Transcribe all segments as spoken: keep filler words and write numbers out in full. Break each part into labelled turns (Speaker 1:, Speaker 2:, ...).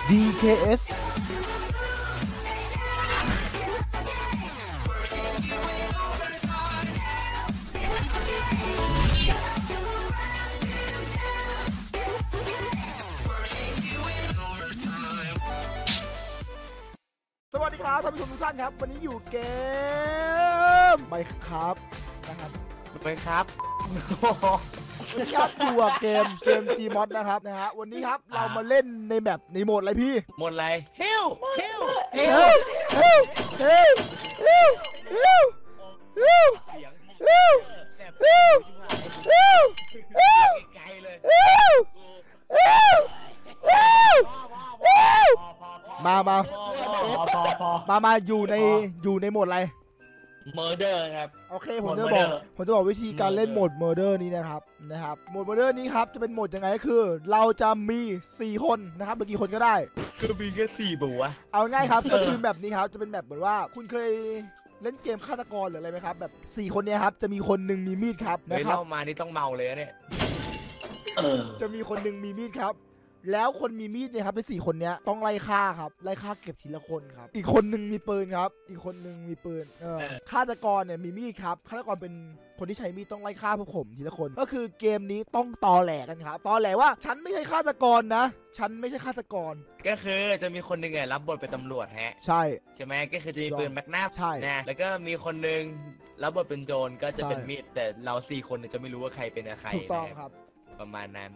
Speaker 1: ดี เค เอส สวัสดีครับท่านผู้ชมทุกท่านครับวันนี้อยู่เกมไมค์ครับนะครับ
Speaker 2: ไปครับ
Speaker 1: วันนี้ครับอยู่กับเกมเกม Gmod นะครับนะฮะวันนี้ครับเรามาเล่นในแบบในโหมดอะไรพี่
Speaker 2: โหมดอะไรเฮลเฮล
Speaker 1: เฮลเฮลเฮลเฮลเฮลเฮล
Speaker 2: เสียง
Speaker 1: เฮลเฮลเฮลเฮล
Speaker 2: ไกลเลย
Speaker 1: เฮลเฮลเฮลเฮลมามามามาอยู่ในอยู่ในโหมดอะไร
Speaker 2: เมอร์เดอร์ครับ
Speaker 1: โอเคผมจะบอกผมจะบอกวิธีการเล่นโหมดเมอร์เดอร์นี้นะครับนะครับโหมดเมอร์เดอร์นี้ครับจะเป็นโหมดยังไงก็คือเราจะมีสี่คนนะครับหรือกี่คนก็ได้
Speaker 2: คือมีแค่สี่บัว
Speaker 1: เอาง่ายครับก็คือแบบนี้ครับจะเป็นแบบเหมือนว่าคุณเคยเล่นเกมฆาตกรหรืออะไรไหมครับแบบสี่คนเนี้ยครับจะมีคนหนึ่งมีมีดครับ
Speaker 2: นะครับเล่ามานี่ต้องเมาเลยเนี่ย
Speaker 1: จะมีคนหนึ่งมีมีดครับแล้วคนมีมีดเนี่ยครับในสี่คนเนี้ยต้องไล่ฆ่าครับไล่ฆ่าเก็บทีละคนครับอีกคนหนึ่งมีปืนครับอีกคนหนึ่งมีปืนเออฆาตกรเนี่ยมีมีดครับฆาตกรเป็นคนที่ใช้มีดต้องไล่ฆ่าพวกผมทีละคนก็คือเกมนี้ต้องตอแหลกันครับตอแหลว่าฉันไม่ใช่ฆาตกรนะฉันไม่ใช่ฆาตกร
Speaker 2: ก็คือจะมีคนหนึ่งไงรับบทเป็นตำรวจฮะ
Speaker 1: ใช่
Speaker 2: ใช่ไหมก็คือจะมีปืนแมกนัม
Speaker 1: ใช่
Speaker 2: นะแล้วก็มีคนหนึ่งรับบทเป็นโจรก็จะเป็นมีดแต่เราสี่คนจะไม่รู้ว่าใครเป็นใคร
Speaker 1: ถูกต้องครับ
Speaker 2: ประมาณนั้น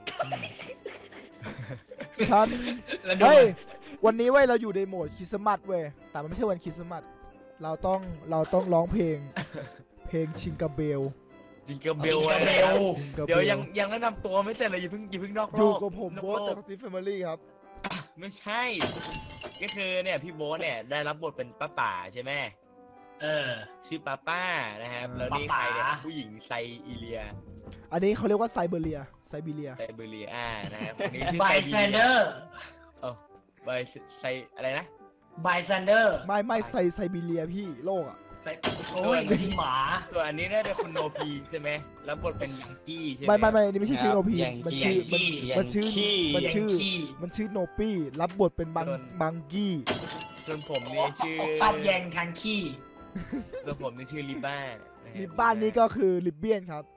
Speaker 1: ฉันเฮ้ยวันนี้เว้ยเราอยู่ในโหมดคริสต์มาสเว้ยแต่มันไม่ใช่วันคริสต์มาสเราต้องเราต้องร้องเพลงเพลงชิงกาเบล
Speaker 2: ชิงกาเบลเดี๋ยวยังยังแนะนำตัวไม่เสร็จเลยอย่าเพิ่งอย่าเพิ่งนอกรอบ
Speaker 1: อยู่กับผมโบ๊ทจากทีมแฟมิลี่ครับ
Speaker 2: ไม่ใช่ก็คือเนี่ยพี่โบ๊ทเนี่ยได้รับบทเป็นป้าป่าใช่ไหมเออชื่อป้าป้านะครับแล้วนี่ใครเนี่ยผู้หญิงไซอีเลีย
Speaker 1: อันนี้เขาเรียกว่าไซเบเรียไซบีเรีย
Speaker 2: ไซบีเรียอ่านะครับอันนี้ชื่อ
Speaker 3: ไบแซนเดอร์
Speaker 2: เออไบไซอะไรนะ
Speaker 3: ไบแซนเดอร์
Speaker 1: ไม่ไม่ไซไซบีเรียพี่โลกอ่ะ
Speaker 3: โอ้ยจริงหมา
Speaker 2: ส่วนอันนี้เนี่ยเป็นคุณโนพีใช่ไหมแล้วบทเป็นยังกี้ใช่ไหม
Speaker 1: ไม่ไม่ไม่นี่ไม่ใช่ชื่อโนพีมันชื่อมันชื่อมันชื่อมันชื่อโนปี้รับบทเป็นบังบังกี้
Speaker 2: ส่วนผมนี่ชื่อ
Speaker 3: ชอบแยงทางขี้
Speaker 2: ส่วนผมนี่ชื่อลิบ้า
Speaker 1: ลิบ้านนี่ก็คือลิเบียนครับ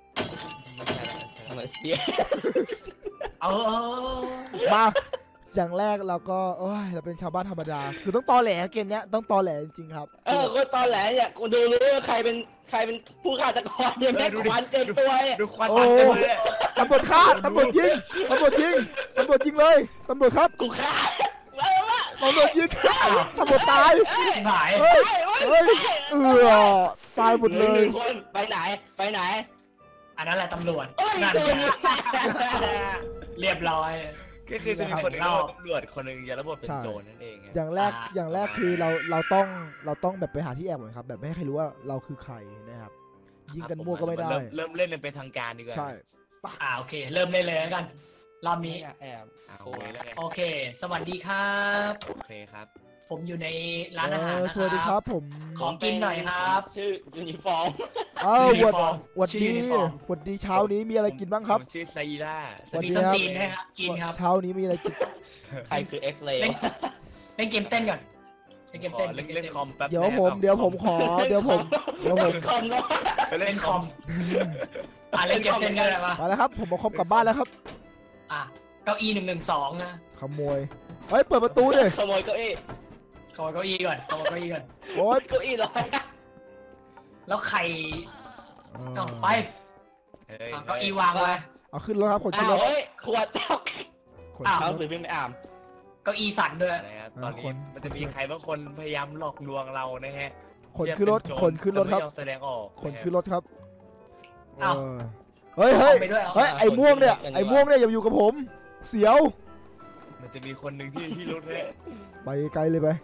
Speaker 3: เออ
Speaker 1: มาอย่างแรกเราก็โอ้ยเราเป็นชาวบ้านธรรมดาคือต้องตอแหลเกมเนี้ยต้องตอแหลจริงๆครับ
Speaker 4: เออก็ตอแหลเนี่ยกูดูรู้ว่าใครเป็นใครเป็นผู้ฆาตกรเนี่ยแม่ควันเต็มตัวเนี่ย
Speaker 2: ดูควันเต็มเลย
Speaker 1: ตำรวจฆ่าตำรวจยิงตำรวจยิงตำรวจยิงเลยตำรวจครับ
Speaker 4: กูฆ่า
Speaker 1: ตำรวจยิงตำรวจตาย
Speaker 3: หาย
Speaker 1: เฮ้ยเฮ้ยเออตายหมดเลย
Speaker 4: ไปไหนไปไหน
Speaker 3: อันนั้นแหละตำรวจนั่นเรียบร้อย
Speaker 2: ก็คือจะมีคนหนึ่งตำรวจคนหนึ่งจะรับบทเป็นโจรนั่นเอง
Speaker 1: อย่างแรกอย่างแรกคือเราเราต้องเราต้องแบบไปหาที่แอบก่อนครับแบบไม่ให้ใครรู้ว่าเราคือใครนะครับยิงกันมั่วก็ไม่ได้
Speaker 2: เริ่มเล่นเป็นทางการดีกว่า
Speaker 1: ใช่
Speaker 3: อ่าโอเคเริ่มเล่นเลยแล้วกันรอบนี้
Speaker 2: แอบ
Speaker 3: โอเคสวัสดีครับ
Speaker 2: โอเคครับ
Speaker 3: ผมอยู่ในร้านอาหารนะครับ
Speaker 1: สวัสดีครับผม
Speaker 3: ขอกินหน่อยครับ
Speaker 4: ชื่อยูนิฟอร์ม
Speaker 1: เอ้าวัดวัดดีวัดดีเช้านี้มีอะไรกินบ้างครับ
Speaker 2: ชื่อไซร่า
Speaker 3: วัดดีครับกินนะครับกินครับ
Speaker 1: เช้านี้มีอะไรกิน
Speaker 4: ใครคือเอ็กซ์เลย์
Speaker 3: เล่นเกมเต้นก่อนเล่นเกมเต้น
Speaker 2: เล่นเล่นคอมแป๊บ
Speaker 1: เดี๋ยวผมเดี๋ยวผมขอเดี๋ยวผมเดี๋ยวผม
Speaker 4: คอมเนาะ
Speaker 2: เล่นคอม
Speaker 3: อ่ะเล่นเกมเต้นกันเลยมา
Speaker 1: มาแล้วครับผมเอาคอมกลับบ้านแล้วครับ
Speaker 3: อ่ะเก้าอี้หนึ่งหนึ่งสองนะ
Speaker 1: ขโมยเฮ้ยเปิดประตูดิ
Speaker 4: ขโมยเก้าอี้
Speaker 3: ขโมยเก้าอี้ก่อนขโมยเก้าอี้ก่อน
Speaker 1: โอ๊ย
Speaker 4: เก้าอี้ลอย
Speaker 3: แล้วใครเอาไปเก้าอี้วางไว้
Speaker 1: เอาขึ้นรถครับคนขึ้นรถ
Speaker 4: ขวดแก้วอ้าวหรือวิ่งไม่อ่าน
Speaker 3: เก้าอี้สั่นด้วย
Speaker 2: นะครับตอนนี้มันจะมีใครบางคนพยายามหลอกลวงเรานะฮะ
Speaker 1: คนขึ้นรถคนขึ้นรถครับ
Speaker 2: แสดงออก
Speaker 1: คนขึ้นรถครับ
Speaker 3: อ้าว
Speaker 1: เฮ้ยเฮ้ยเฮ้ยไอ้ม่วงเนี่ยไอ้ม่วงเนี่ยอย่าอยู่กับผมเสียว
Speaker 2: มันจะมีคนหนึ่งที่ที่รถเลย
Speaker 1: ไปไกลเลยไป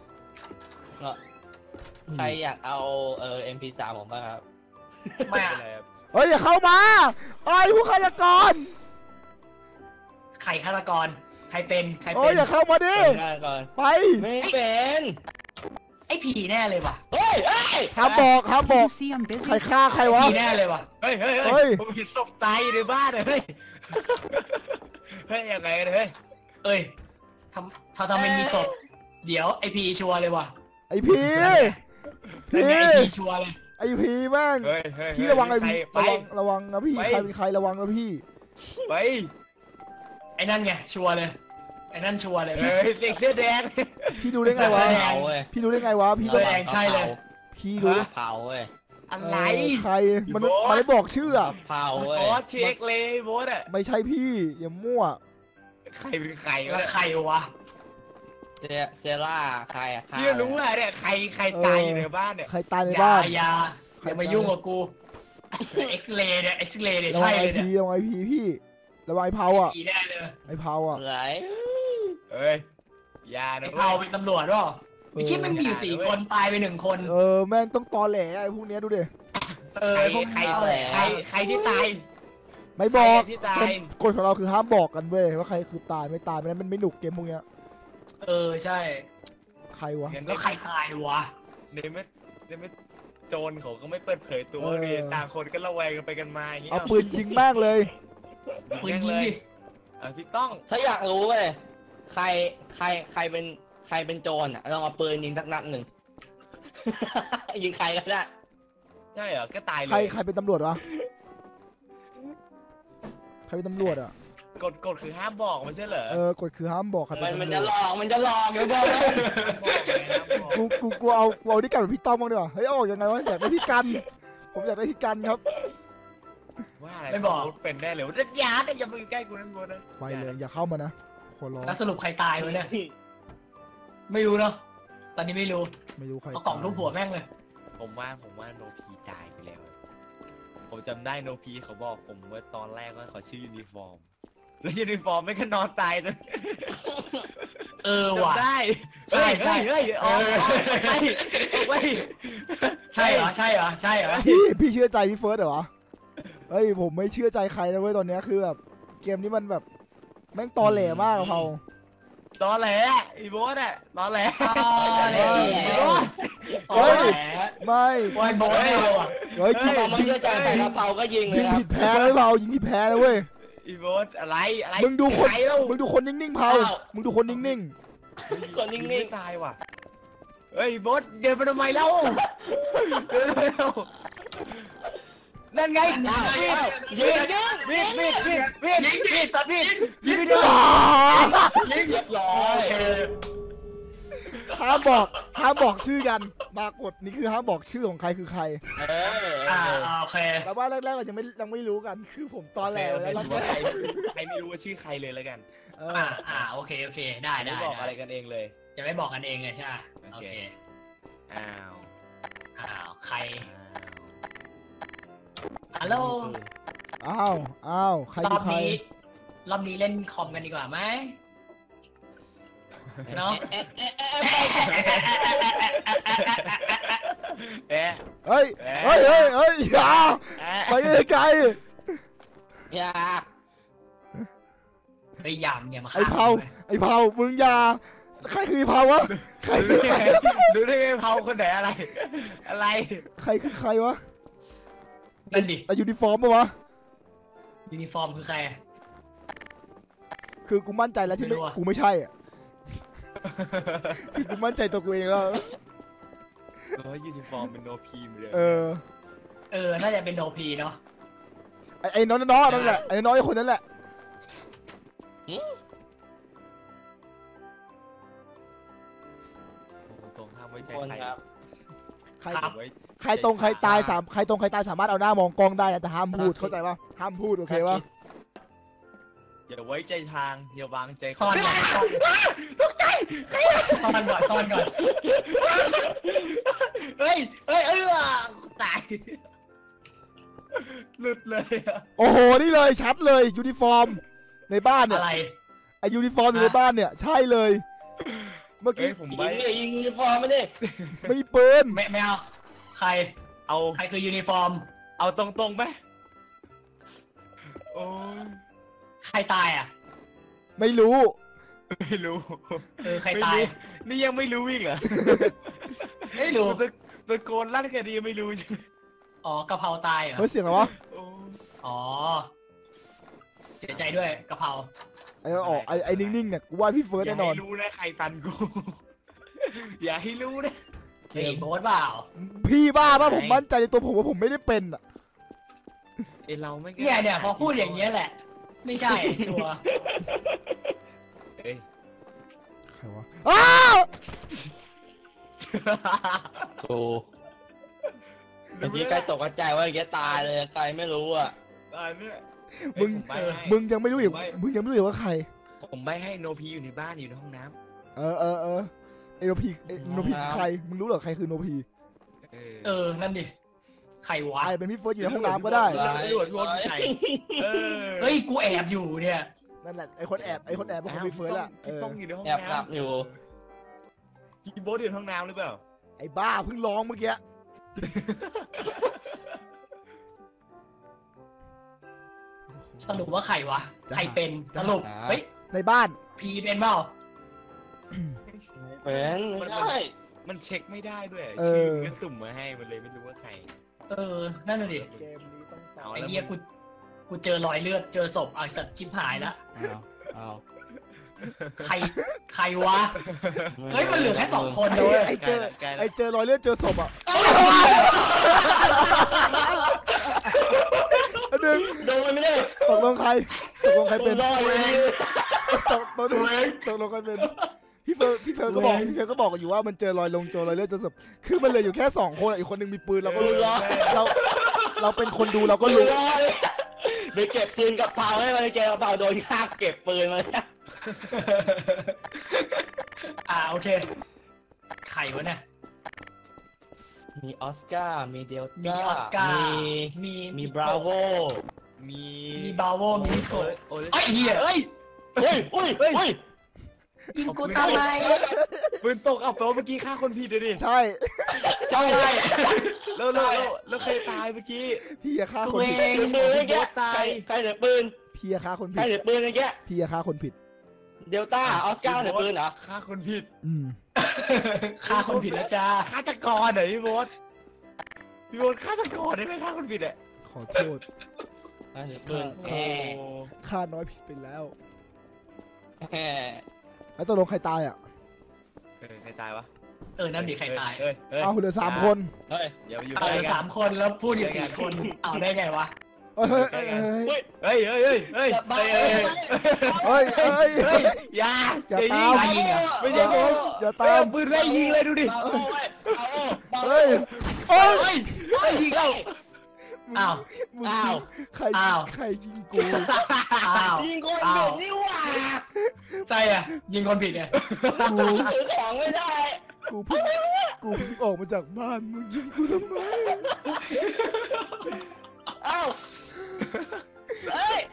Speaker 4: ใครอยากเอาเออ เอ็ม พี สาม ผมบ้างครับ
Speaker 3: ไม่อะไร
Speaker 1: ครับเฮ้ยอย่าเข้ามาไอ้ผู้ฆาตกร
Speaker 3: ใครฆาตกรใครเป็นใครเป็น
Speaker 1: โอ้ยอย่าเข้ามาดิไป
Speaker 4: ไม่เป็น
Speaker 3: ไอ้ผีแน่เลยว่ะ
Speaker 4: เฮ้ยเฮ้ย
Speaker 1: ครับบอกครับบอกใครฆ่าใครวะ
Speaker 3: ผีแน่เลยว่ะ
Speaker 2: เฮ้ยเฮ้ยเฮ้ยผมเห็นศพตายในบ้านเลยเฮ้ยเฮ้ยยังไงเลยเฮ้ย
Speaker 3: เอ้ยทำถ้าทำเป็นมีศพเดี๋ยวไอพีชัวร์เลยว่ะ
Speaker 1: ไอพีพี
Speaker 3: ไอพีชัวร์เลย
Speaker 1: ไอพีแม่ง
Speaker 2: เฮ้ยเฮ้ย
Speaker 1: พี่ระวังไอพี
Speaker 2: ไประ
Speaker 1: วังระวังนะพี่ใครเป็นใครระวังนะพี่
Speaker 2: ไป
Speaker 3: ไอ้นั่นไงชัวร์เลยไอ้นั่นชัวร์เลย
Speaker 2: เฮ้ยเด็กเสื้อแดง
Speaker 1: พี่ดูได้ไงวะ
Speaker 3: แดง
Speaker 1: พี่ดูได้ไงวะพี่
Speaker 3: เสื้อแดงใช่เลย
Speaker 1: พี่รู้
Speaker 4: เผาเว้ย
Speaker 2: อะไร
Speaker 1: เออใครมัน
Speaker 2: พี่โบ๊ท
Speaker 1: มันไม่บอกชื่ออะ
Speaker 4: เผาเว้ย
Speaker 2: โอ้เช็คเลยโบสอะ
Speaker 1: ไม่ใช่พี่อย่ามั่ว
Speaker 2: ใครเป็นใคร
Speaker 3: แล้ว
Speaker 2: ะ
Speaker 3: วใครวะ
Speaker 4: เซเซล่าใครอะใคร
Speaker 2: พี่รู้อะเนี่ยใครใครตายอยู่ในบ้านเนี่ย
Speaker 1: ใครตายใน
Speaker 3: อย่า
Speaker 1: บ้าน
Speaker 3: อย่าอย่ามายุ่งกับกูเอ็กซเรย์เนี่ยเอ็กซเรย์เนี่ย
Speaker 1: ระวั
Speaker 3: ใช่
Speaker 1: งไอ
Speaker 3: เลยเนี่ย
Speaker 1: พีระวังไอพีพี่ระวังไอเผาอ่ะ
Speaker 3: ผีแน่เลย
Speaker 1: ไอเผาอ่ะ
Speaker 4: ไหล
Speaker 2: เฮ้ยอยา
Speaker 3: ไอ้
Speaker 2: นะ
Speaker 3: เผาเป็นตำรวจวะไอ้ชิปมันมีอยู่สี่คนตายไปหนึ่งคน
Speaker 1: เออแม่งต้องตอแหลไอพวกเนี้ยดูดิ
Speaker 3: เออ
Speaker 2: ใคร
Speaker 3: พวก
Speaker 2: ใคร
Speaker 3: เขาแหละ
Speaker 2: ใครใครที่ตาย
Speaker 1: ไม่บอก
Speaker 2: ใครที่ตาย
Speaker 1: กฎของเราคือห้ามบอกกันเว้ยว่าใครคือตายไม่ตายไม่นั้นมันไม่หนุกเกมพวกเนี้ย
Speaker 3: เออใช่
Speaker 1: ใครวะ
Speaker 2: งั้น
Speaker 3: แล้วใครตายวะ
Speaker 2: ในเมื่อในเมื่อโจรเขาก็ไม่เปิดเผยตัว
Speaker 1: เออ
Speaker 2: เลยต่างคนก็ระแวงกันไปกันมาอย่างเงี้ย
Speaker 1: เอาปืนยิงแม่งเลย
Speaker 3: ปืนยิง
Speaker 2: เลย
Speaker 3: ดิ
Speaker 2: เออพี่ต้อง
Speaker 4: ถ้าอยากรู้เว้ยใครใครใครเป็นใครเป็นโจรอะลองเอาปืนยิงสักนัดหนึ่ง ยิงใครก็ได้
Speaker 2: ใช่เหรอก็ตายเล
Speaker 1: ใคร
Speaker 2: ย
Speaker 1: ใครเป็นตำรวจวะใครเป็นตำรวจอ่ะ
Speaker 2: กฎกฎคือห้ามบอกไม่ใช่เหรอ
Speaker 1: เออกฎคือห้ามบอกใครเป็
Speaker 4: มัน
Speaker 1: น
Speaker 4: มัน
Speaker 1: ตำร
Speaker 4: จะ
Speaker 1: วจ
Speaker 4: หลอกมันจะหลอกเดี๋ยวบอกเลย
Speaker 2: บอกเลยห้ามบอก
Speaker 1: กูกูกูเอากูเอาที่กันกับพี่ต้อมบ้างดีกว่าเฮ้ยเอาออกยังไงวะอยากได้ที่กันผมอยากได้ที่กันครับ
Speaker 2: ว่าอะไร
Speaker 3: ไม่บอก
Speaker 2: เป็นแน่เลยว่าอย่าอย่าไปใกล้กูนั่นบนนะ
Speaker 1: ไปเลยอย่าเข้ามานะขอร้อง
Speaker 3: แล้วสรุปใครตายวะเนี่ยไม่รู้เนาะตอนนี้ไม่รู้
Speaker 1: ไม่รู้ใคร
Speaker 3: เอากล่องรูปหัวแม่งเลย
Speaker 2: ผมว่าผมว่าโนพีตายไปแล้ว ผมจำได้โนพีเขาบอกผมว่าตอนแรกว่าเขาชื่อยูนิฟอร์ม แล้วยูนิฟอร์มไม่ก็นอนตายเลย
Speaker 3: เออว่ะ
Speaker 2: จำได้
Speaker 3: ใช่ใช่
Speaker 2: เฮ้ยเฮ้ยเฮ้ยออกไปออกไป
Speaker 3: ใช่เหรอใช่เหรอใช่เหรอ
Speaker 1: พี่พี่เชื่อใจพี่เฟิร์สเหรอวะเฮ้ยผมไม่เชื่อใจใครนะเว้ยตอนเนี้ยคือแบบเกมนี้มันแบบแม่งตอแหลมากอะเผา
Speaker 2: ตอนแหลอีโบสอะตอนแหล
Speaker 3: อ๋อแหละ
Speaker 2: อีโบ๊ท
Speaker 3: โอ้ย
Speaker 1: ไม่
Speaker 3: โอ้ยโบนไม่เอาอ่ะ
Speaker 1: เฮ้ยยิง
Speaker 4: พอมัน
Speaker 1: ยิง
Speaker 4: เชื่อใจใส่กระเป๋าก็ยิงเล
Speaker 1: ยิ
Speaker 4: ย
Speaker 1: ง
Speaker 4: ครับ
Speaker 1: ผิดแพ้เลยเผายิงผิดแพ้นะเว้ย
Speaker 2: อีโบสอะไรอะไร
Speaker 1: มึงดูคน
Speaker 2: ใรเล่า
Speaker 1: มึงดูคนนิ่งๆเผามึงดูคนนิ่ง
Speaker 4: คนนิ่ง
Speaker 2: ไม่ตายว่ะเฮ้ยโบสเดินไปทำไมเล่าเดินไปเล่านั่นไง
Speaker 3: อ้าว
Speaker 2: มีด
Speaker 3: อ้าว
Speaker 2: มีดมีดมีดมีดมีดมีดมีดสัตว์มีดยิงไป
Speaker 1: ๆ
Speaker 2: เดียว
Speaker 1: อ่า
Speaker 3: ยิงเรียบร้อย
Speaker 1: ห้ามบอกห้ามบอกชื่อกันมากดนี่คือห้ามบอกชื่อของใครคือใคร
Speaker 4: เออ
Speaker 3: อ่าโอเค
Speaker 1: แต่ว่าแรกๆเรายังไม่ยังไม่รู้กันคือผมตอนแหล
Speaker 2: โอ
Speaker 1: แล้
Speaker 2: เคว
Speaker 1: เรา
Speaker 2: ว่าใครใครไม่รู้ว่าชื่อใครเลยแล้วกัน
Speaker 1: เออ
Speaker 3: อ่าอ่าโอเคโอเคได้
Speaker 2: ไม่
Speaker 3: ได้
Speaker 2: บอกอะไร
Speaker 3: ได้
Speaker 2: กันเองเลย
Speaker 3: จะไม่บอกกันเองไงใช่ไหม
Speaker 2: โอ
Speaker 3: โอ
Speaker 2: เค
Speaker 3: เค
Speaker 2: อ้าว
Speaker 3: อ้าวใคร
Speaker 2: อ้าว
Speaker 3: ฮัลโหล
Speaker 1: อ้าวอ้าวใคร
Speaker 3: ร
Speaker 1: คือ
Speaker 3: อบ
Speaker 1: ใคร
Speaker 3: นี้รอบนี้เล่นคอมกันดีกว่าไหมเนาะ
Speaker 4: เอ๊ะเอ๊ะเอ๊ะเอ๊ะ
Speaker 2: เอ๊ะ
Speaker 1: เฮ้ยเฮ้ยเฮ้ยเฮ้ยอย่า
Speaker 2: เอ๊ะ
Speaker 1: ไปไกล
Speaker 4: อย่า
Speaker 3: ไปยามอย่ามา
Speaker 1: ไอ้เผาไอ้เผามึงอย่าใครคือไอ้เผาวะใคร
Speaker 2: ดู
Speaker 1: คือ
Speaker 2: ได้
Speaker 1: ใคร
Speaker 2: ไงดูได้ไงเผาคนไหนอะไร อะไร
Speaker 1: ใครคือใครวะ
Speaker 3: นั่นดิ
Speaker 1: ไอยูนิฟอร์มปะวะ
Speaker 3: ยูนิฟอร์มคือใคร
Speaker 1: คือกูมั่นใจแล้วที่
Speaker 3: ไม่
Speaker 1: ไม่
Speaker 3: รู้อะ
Speaker 1: กูไม่ใช่อ่ะคือกูมั่นใจตัวกูเองแล้ว
Speaker 2: เออยูนิฟอร์มเป็นโนพีมเลย
Speaker 1: เออ
Speaker 3: เออน่าจะเป็นโนพีเนาะ
Speaker 1: ไอไอ้น้องน้องนั่นแหละไอ้น้องไอ้คนนั้นแหละ
Speaker 2: ตรงห้ามไว้ใจ
Speaker 4: คน
Speaker 2: ใคร
Speaker 4: ครับ
Speaker 1: ใคร
Speaker 2: ไว้
Speaker 1: ใครตรงใครตายสามใครตรงใครตายสามารถเอาหน้ามองกล้องได้นะแต่ห้ามพูดเข้าใจปะห้ามพูดโอเคปะ
Speaker 2: อย่าไว้ใจทางอย่าวางใจ
Speaker 3: ซ่อนก่อนซ่อน
Speaker 2: ตกใจ
Speaker 3: ซ่อนก่อนซ่อนก่อน
Speaker 2: เฮ้ยเฮ้ยเออตายหลุดเลยอะ
Speaker 1: โอ้โหนี่เลยชัดเลยยูนิฟอร์มในบ้านเนี่ย
Speaker 3: อะไร
Speaker 1: ไอยูนิฟอร์มอยู่ในบ้านเนี่ยใช่เลย เมื่อ
Speaker 2: เฮ้
Speaker 1: กี้
Speaker 2: ยผม
Speaker 4: ยิ
Speaker 2: ไว้
Speaker 4: งดิยิงยูนิฟอร์มไม่ดิ
Speaker 1: ไม่มีปืน
Speaker 3: ไม่ไม่เอาใคร
Speaker 2: เอา
Speaker 3: ใครคือยูนิฟอร์ม
Speaker 2: เอาตรงๆไหมโอ้ย
Speaker 3: ใครตายอ่ะ
Speaker 1: ไม่รู้
Speaker 2: ไม่รู้
Speaker 3: เออใครตาย
Speaker 2: ไม่รู้นี่ยังไม่รู้อีกเหรอ
Speaker 3: ไม่รู้
Speaker 2: ตะตะโกนลั่นแค่นี้ยังไม่รู้ใช่ไหม
Speaker 3: อ๋อกะเพราตายเหรอ
Speaker 1: เฮ้ยเสียงอะไรวะ
Speaker 2: โอ้
Speaker 3: อ๋อเสียใจด้วยกะเพรา
Speaker 1: ไอ้ออกไอ้ไอ้นิ่งๆเนี่ยกูว่าพี่เฟิร์ส
Speaker 2: อย่า
Speaker 1: แน่นอน
Speaker 2: ให้รู้นะใครฟันกู อย่าให้รู้นะ
Speaker 3: เฮ้ยโบ๊ทเปล่า
Speaker 1: พี่บ้าป่ะผมมั่นใจในตัวผมว่าผมไม่ได้เป็นอ่ะ
Speaker 2: ไอเราไม่
Speaker 3: เนี่ยเนี่ยพอพูดอย่างเงี้ยแหละ ไม่ใช่ชัวร์
Speaker 2: เฮ้ย
Speaker 1: ใครวะอ้าว
Speaker 4: โอ้เมื่อกี้ใครตกใจว่าแกตายเลยใครไม่รู้อ่ะ
Speaker 2: อันเนี้ย
Speaker 1: มึง
Speaker 2: เอ้ยผมใบ้ให้
Speaker 1: มึงยังไม่รู้อีก
Speaker 2: ผมใบ้
Speaker 1: มึงยังไม่รู้อีกว่าใคร
Speaker 2: ผมใบให้โนพีอยู่ในบ้านอยู่ในห้องน้
Speaker 1: เออเออเออไอโนพีไอโนพีใครมึงรู้เหรอใครคือโนพี
Speaker 2: ำเออ
Speaker 3: เออนั่นดิใครวะ
Speaker 1: ใครเป็นพี่เฟิร์สอยู่ในห้องน้ำก็ได้
Speaker 2: ไม่รู้ว่าพี่ใครเออ
Speaker 3: เฮ้ยกูแอบอยู่เนี่ย
Speaker 1: นั่นแหละไอคนแอบไอคนแอบเป็นคนพี่เฟิร์สอะเอ
Speaker 2: พี่
Speaker 1: อ
Speaker 2: ต้องอยู่ในห้อง
Speaker 4: แอบหลั
Speaker 2: น้
Speaker 4: บอยู่
Speaker 2: ำพี่โบ๊ทอยู่ในห้องน้ำหรือเปล่า
Speaker 1: ไอบ้าเพิ่งร้องเมื่อกี้
Speaker 3: สรุปว่าใครวะใครเป็นสรุปเฮ้ย
Speaker 1: ในบ้าน
Speaker 3: พีเป็นเปล่า
Speaker 4: เป็นไม่ใช่
Speaker 2: มันเช็คไม่ได้ด้วย
Speaker 1: เออ
Speaker 2: ชื่อมันก็ตุ่มมาให้มันเลยไม่รู้ว่าใคร
Speaker 3: เออนั่นน่ะดิ
Speaker 1: เกมนี้ต้องตา
Speaker 2: เอา
Speaker 1: ย
Speaker 3: ไอ้เหี้ยกูกูเจอรอยเลือดเจอศพไอ้สัตว์ชิบหายละ
Speaker 4: อ้าวอ้าว
Speaker 3: ใครใครวะเฮ้ยมันเหลือแค่สองคนเลย
Speaker 1: ไอเจอไอเจอรอยเลือดเจอศพอ่ะอันหนึ่ง
Speaker 4: โดนไม่ได้
Speaker 1: ตกลงใครตกลงใครเป็น
Speaker 4: โดนเลย
Speaker 1: ตกตกลงตกลงใครเป็นพี่เฟิร์พี่เฟิร์ก็บอกพี่เฟิร์ก็บอกอยู่ว่ามันเจอรอยลงเจอรอยเลือดเจอศพคือมันเหลืออยู่แค่สองคนอีกคนหนึ่งมีปืนเราก็รู้เราเราเป็นคนดูเราก็รู้
Speaker 4: ไปเก็บปืนกับเผาให้มันเก็บกระเป๋าโดนฆ่าเก็บปืนมา
Speaker 3: อ่าโอเคใครวะเนี่ย
Speaker 4: มีออสการ์มีเดล
Speaker 3: มี
Speaker 4: ต้า
Speaker 3: ออสการ์
Speaker 4: มี
Speaker 3: มี
Speaker 4: มีบราโว
Speaker 2: มี
Speaker 3: มีบาโวมีนิโก
Speaker 2: โอ้ย
Speaker 3: ไอ้เหี้ยเอ้ย
Speaker 4: เฮ้ยอุ้ยเฮ้ย
Speaker 3: ยิงกูทำไม
Speaker 2: ปืนตกเอาแปลว่าเมื่อกี้ฆ่าคนผิดเลยดิ
Speaker 1: ใช่
Speaker 3: ใช่
Speaker 2: แล้วแล้วแล้วแล้วใครตายเมื่อกี้
Speaker 1: พี่อย่าฆ่า
Speaker 3: ตั
Speaker 1: ค
Speaker 3: วน
Speaker 1: ผิด
Speaker 3: เอง
Speaker 4: ถือปืนเมื่อกี้ใครใครถือปืน
Speaker 1: พี่อย่าฆ่าคน
Speaker 4: ใคร
Speaker 1: ผิด
Speaker 4: ถือปืนเมื่อกี้
Speaker 1: พี่อย่าฆ่าคนผิด
Speaker 4: เดลต้าออสการ์ถือปืนเหรอ
Speaker 2: ฆ่าคนผิด
Speaker 1: อืม
Speaker 3: ฆ่าคนผิดแล้วจ้า
Speaker 2: ฆาตกรเหรอพี่โบ๊ทพี่โบ๊ทฆาตกรได้ไหมฆ่าคนผิดอ่ะ
Speaker 1: ขอโทษ
Speaker 4: ใครถือปืน
Speaker 2: โอ้
Speaker 4: แหม
Speaker 1: ฆ่าน้อยผิดไปแล้ว
Speaker 4: แหม
Speaker 1: แล้วตกลงใครตายอ่ะ
Speaker 2: เออใครตายวะ
Speaker 3: เออนั่นดิใครตาย
Speaker 2: เอ้ยเอ้ย
Speaker 1: เอาเหลือสามคน
Speaker 4: เฮ้ย
Speaker 2: อย่ามาอยู่
Speaker 3: เอา
Speaker 2: ใกล้
Speaker 3: เหลือ
Speaker 2: กั
Speaker 3: สาน มคนแล้วพูดอยู่สี่คนเอาได้ไงวะ
Speaker 1: เฮ้ยเฮ้ยเฮ้ย
Speaker 4: เฮ้ย
Speaker 2: เฮ้ยเฮ้ยเฮ้ยเฮ้ย
Speaker 4: อย่าบ้า
Speaker 2: เฮ้ยเฮ้ย
Speaker 1: เฮ้ยเฮ้ย
Speaker 2: เฮ้ยอย่า
Speaker 1: อย่า
Speaker 2: อย่า
Speaker 1: ตา
Speaker 2: ยิง
Speaker 1: ม
Speaker 3: ใครยิงอ่ะ
Speaker 2: ไม่ใช่ผม
Speaker 1: อย่า
Speaker 2: เฮ้
Speaker 1: ตาย ม
Speaker 2: เอาปืนไล่ยิงเลยดูดิ
Speaker 4: บราโวเว้ยบราโวบราโว
Speaker 1: เฮ้ยโอ้ย
Speaker 2: เฮ้ยเฮ้ยยิงเอา
Speaker 3: อ้าว
Speaker 1: มึง
Speaker 3: อ้าว
Speaker 1: ใคร
Speaker 3: อ้าว
Speaker 1: ใครยิงกู
Speaker 3: อ้าว
Speaker 4: ยิงคน
Speaker 3: อ้า
Speaker 4: เดียว
Speaker 3: ว
Speaker 4: นี่หว่า
Speaker 3: ใช่อ่ะยิงคนผิดไง
Speaker 1: กู
Speaker 4: ถือของไม่ได้
Speaker 1: กูเพิ่งกูเพิ่งออกมาจากบ้านมึงยิงกูทำไม
Speaker 4: เอ้าเฮ้ย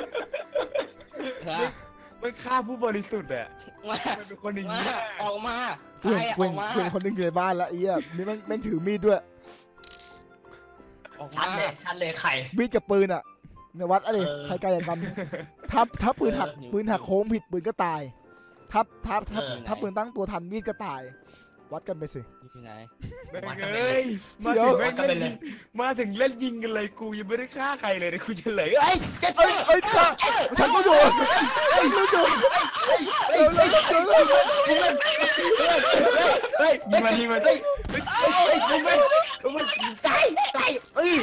Speaker 2: มันฆ่าผู้บริสุทธิ์อ่ะ
Speaker 4: มา
Speaker 2: มันเป็นคนอย่าง
Speaker 4: มา
Speaker 2: นี้
Speaker 4: ออกมาใค
Speaker 1: เพื่
Speaker 4: ร
Speaker 1: อน
Speaker 4: อะ
Speaker 1: เพื่
Speaker 4: อ
Speaker 1: อน
Speaker 4: อกมา
Speaker 1: เพื่อนคนหนึงอยู่ในบ้านละไอ้เหี้ยนี่แม่งแม่งถือมีดด้วย
Speaker 4: ออก
Speaker 3: ชั
Speaker 4: มา
Speaker 3: ดเลยชัดเลยไข่
Speaker 1: มีดกับปืนอ่ะในวัดอะไร
Speaker 3: เออ
Speaker 1: ใครไกลกันถ้าถ้าปืนหักปืนหักโค้งผิดปืนก็ตายถ้าถ้าถ้าถ้าปืนตั้งตัวทันมีดก็ตาย วัดกันไปสิ
Speaker 4: อยู่ที่ไหน
Speaker 2: แม่งเอ้ยมาถึงแม่งเล่นยิงมาถึงเล่นยิงกันเลยกูยังไม่ได้ฆ่าใครเลยเดี๋ยวกูจะเหลยเอ้ย
Speaker 1: เอ้ยเอ้ยข้าฉันก็อยู่เอ้ยฉันก็อยู่เร็วเร็วเร็วเร็ว
Speaker 2: เฮ้ยยิงมันยิงมันเฮ้ยเฮ้ยเฮ้ยยิงมันยิงมันตายตายเอ้ย